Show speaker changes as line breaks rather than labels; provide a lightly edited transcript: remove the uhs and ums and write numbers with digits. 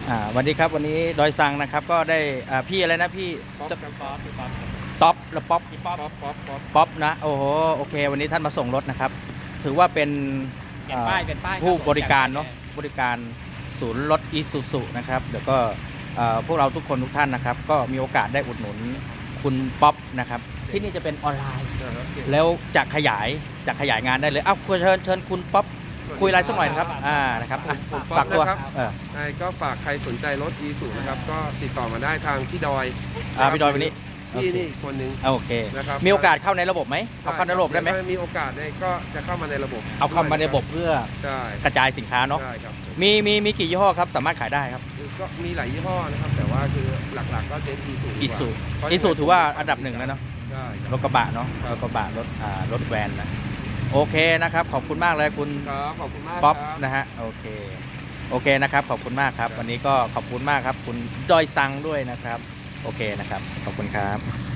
สวัสดีครับวันนี้ดอยซังนะครับก็ได้พี่อะไรนะพี่
ป๊อป
จะ
กันป๊อปพี่ป๊อป
ท็อปแล้วป๊อป
พี่ป๊อปป๊อป
ป๊อปนะโอ้โหโอเควันนี้ท่านมาส่งรถนะครับถือว่าเป็น
เปลี่ยนป้ายเป็นป้าย
ผู้บริการเนาะบริการศูนย์รถอีซูซุนะครับเดี๋ยวก็พวกเราทุกคนทุกท่านนะครับก็มีโอกาสได้อุดหนุนคุณป๊อปนะครับที่นี่จะเป็นออนไลน์แล้วจะขยายงานได้เลยอ้าวเชิญคุณป๊อปคุยอะไรสักหน่อยนะครับนะครับฝากตัว
ก็ฝากใครสนใจรถอีซูนะครับก็ติดต่อมาได้ทางพี่ดอย
พี่ดอยวันนี้
พี่นี่คนหนึ่ง
โอเค
นะครับ
มีโอกาสเข้าในระบบไหมเอาเข้าในระบบได้ไหม
มีโอกาสก็จะเข้ามาในระบบ
เอาเข้ามาในระบบเพื่อกระจายสินค้าเนาะมีกี่ยี่ห้อครับสามารถขายได้ครับ
ก็มีหลายยี่ห้อนะครับแต่ว่าคือหลักๆก็เป็น
อีซูถือว่าอันดับหนึ่งแล้วเนาะรถกระบะเนาะรถกระบะรถแวนนะโอเคนะครับขอบคุณมากเลยคุณป๊อปนะฮะโอเคนะครับขอบคุณมากครับวันนี้ก็ขอบคุณมากครับคุณดอยซังด้วยนะครับโอเคนะครับขอบคุณครับ